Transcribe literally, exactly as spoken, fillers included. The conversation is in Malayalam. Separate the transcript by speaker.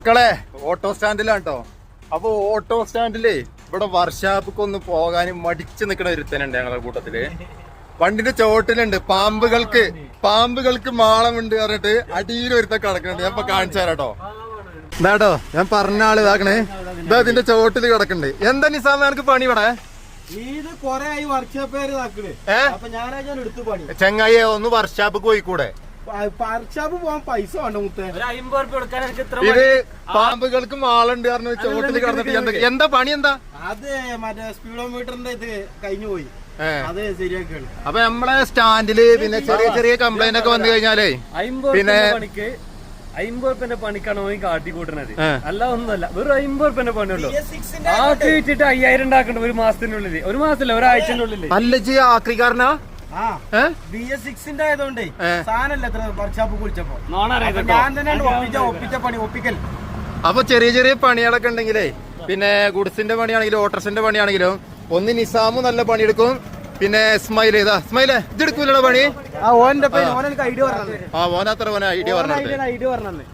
Speaker 1: മക്കളെ ഓട്ടോ സ്റ്റാൻഡിലാണ് കേട്ടോ. അപ്പൊ ഓട്ടോ സ്റ്റാൻഡിലേ ഇവിടെ വർക്ക്ഷോപ്പൊക്കെ ഒന്ന് പോകാനും മടിച്ചു നിൽക്കണ ഒരുത്തനുണ്ട് ഞങ്ങളുടെ കൂട്ടത്തില്. വണ്ടിന്റെ ചോട്ടിലുണ്ട് പാമ്പുകൾക്ക് പാമ്പുകൾക്ക് മാളമുണ്ട് പറഞ്ഞിട്ട് അടിയിൽ ഒരുത്ത കിടക്കുന്നുണ്ട്. ഞാൻ ഇപ്പൊ കാണിച്ചു തരാം കേട്ടോ. ഇതാട്ടോ ഞാൻ പറഞ്ഞ ആള് ഇതാക്കണേ. ഇതാ ഇതിന്റെ ചോട്ടില് കിടക്കുന്നുണ്ട്. എന്താ നിസാമ എനിക്ക് പണി ഇവിടെ? ചെങ്ങായി ഒന്ന് വർക്ക്ഷോപ്പ് പോയിക്കൂടെ? ഇത് പാമ്പുകൾക്ക് മാളുണ്ട് പറഞ്ഞു ചോട്ടില് കിടന്നിട്ട് എന്താ പണി? എന്താ
Speaker 2: അത് മറ്റേ സ്പീഡോമീറ്ററിന്റെ ഇത് കഴിഞ്ഞു പോയി, അത് ശരിയാക്കാണ്.
Speaker 1: അപ്പൊ നമ്മളെ സ്റ്റാൻഡില് പിന്നെ ചെറിയ ചെറിയ കംപ്ലൈന്റ് ഒക്കെ വന്നു കഴിഞ്ഞാലേ പിന്നെ
Speaker 3: അമ്പത് റുപ്യന്റെ പണിക്കാണ് ഓൻ കാട്ടിക്കൂട്ടണത്. അല്ല ഒന്നുമല്ല, വെറും അമ്പത് റുപ്യന്റെ പണിയുള്ളൂ. ആക്കി വെച്ചിട്ട് അയ്യായിരം ഉണ്ടാക്കണ്ട ഒരു മാസത്തിനുള്ളിൽ. ഒരു മാസത്തില്ല, ഒരാഴ്ചന്റെ ഉള്ളിൽ.
Speaker 1: അല്ല ജി ആക്രിക്കാരനാ
Speaker 2: ബി എസ് സിക്സിന്റെ ആയതുകൊണ്ടേ സാധനല്ല എത്ര വർക്ക്ഷോപ്പ് കുളിച്ചപ്പോ ഞാൻ തന്നെയാണ് ഒപ്പിച്ച ഒപ്പിച്ച പണി ഒപ്പിക്കൽ.
Speaker 1: അപ്പൊ ചെറിയ ചെറിയ പണികളൊക്കെ ഉണ്ടെങ്കിലേ പിന്നെ ഗുഡ്സിന്റെ പണിയാണെങ്കിലും ഓട്ടർസിന്റെ പണിയാണെങ്കിലും ഒന്ന് നിസാമു നല്ല പണിയെടുക്കും. പിന്നെ സ്മൈൽ ഇതാ സ്മൈല് ഇതെടുക്കൂലോ പണി.
Speaker 2: ഓന്റെ ഐഡിയ പറഞ്ഞു.
Speaker 1: ആ ഓനത്ര ഓന ഐഡിയ പറഞ്ഞു
Speaker 2: ഐഡിയ പറഞ്ഞു.